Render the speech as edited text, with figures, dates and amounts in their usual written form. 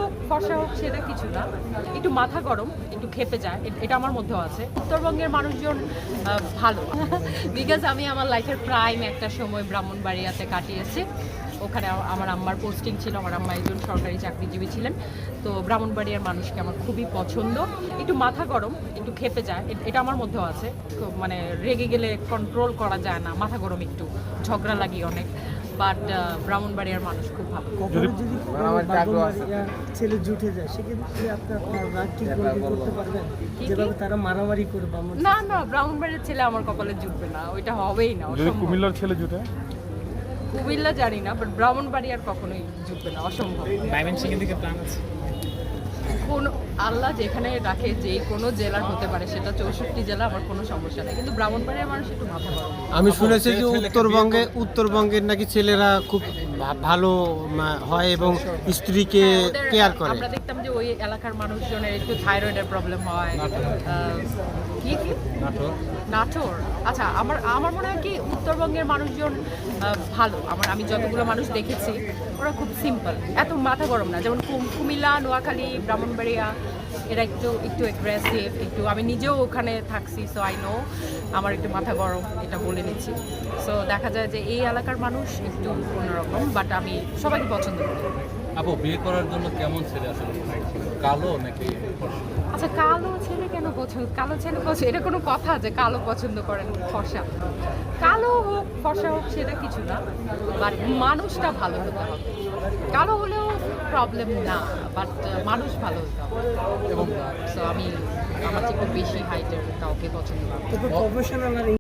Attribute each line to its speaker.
Speaker 1: হোক ফর্সা হোক সেটা কিছু না, একটু মাথা গরম, একটু খেপে যায়, এটা আমার মধ্যেও আছে। উত্তরবঙ্গের মানুষজন ভালো, বিকজ আমি আমার লাইফের প্রাইম একটা সময় ব্রাহ্মণবাড়িয়াতে কাটিয়েছি। ওখানে আমার আম্মার পোস্টিং ছিল, আমার আম্মা একজন সরকারি চাকরিজীবী ছিলেন। তো ব্রাহ্মণবাড়িয়ার মানুষকে আমার খুবই পছন্দ। একটু মাথা গরম, একটু খেপে যায়, এটা আমার মধ্যেও আছে। মানে রেগে গেলে কন্ট্রোল করা যায় না, মাথা গরম, একটু ঝগড়া লাগি অনেক। বাট ব্রাহ্মণবাড়িয়ার মানুষ খুব ভালো।
Speaker 2: কখনো যদি ব্রাহ্মণবাড়িয়ার ছেলে জুটে যায় সেক্ষেত্রে আপনার রাগ কি করতে পারবেন? যেভাবে তারা মারামারি করে
Speaker 1: না না, ব্রাহ্মণবাড়িয়ার ছেলে আমার কপালে জুটবে না, ওইটা হবেই না।
Speaker 3: কুমিল্লার ছেলে জুটে,
Speaker 1: কুমিল্লা জানি না, বাট ব্রাহ্মণবাড়িয়ার কখনোই জুটবে না, অসম্ভব। কোন আল্লাহ যেখানে রাখে, যে কোনো জেলার হতে পারে, সেটা 64 জেলা, আমার কোনো সমস্যা নেই, কিন্তু ব্রাহ্মণবাড়িয়ার মানুষ একটু মাথা গরম।
Speaker 4: আমি শুনেছি যে উত্তরবঙ্গের নাকি ছেলেরা খুব ভালো হয় এবং স্ত্রীকে কেয়ার করে।
Speaker 1: আমরা দেখতাম যে ওই এলাকার মানুষজনের একটু থাইরয়েডের প্রবলেম হয়। কি কি নাটোর? আচ্ছা, আমার মনে হয় কি উত্তরবঙ্গের মানুষজন ভালো। আমি যতগুলো মানুষ দেখেছি ওরা খুব সিম্পল, এত মাথা গরম না। যেমন কুমিল্লা, নোয়াখালী, ব্রাহ্মণবাড়িয়া এরা একটু অ্যাগ্রেসিভ, একটু। আমি নিজেও ওখানে থাকছি, সো আই নো আমার একটু মাথা গরম, এটা বলে নিচ্ছি। সো দেখা যায় যে এই এলাকার মানুষ একটু অন্যরকম, বাট আমি সবাইকে পছন্দ করি।
Speaker 5: আপু, বিয়ে করার জন্য কেমন ছেলে আসলে, কালো নাকি ফর্সা?
Speaker 1: আচ্ছা, কালো ছেলে কেন পছন্দ? কালো ছেলে পছন্দ, এটা কোনো কথা যে কালো পছন্দ করেন ফর্সা? কালো হোক ফর্সা হোক সেটা কিছু না, বাট মানুষটা ভালো হতে হবে। কালো হলেও প্রবলেম না, বাট মানুষ ভালো হতে হবে। এবং সো আমি আমার থেকে বেশি হাইটের কাউকে পছন্দ করি।
Speaker 2: প্রফেশনাল আর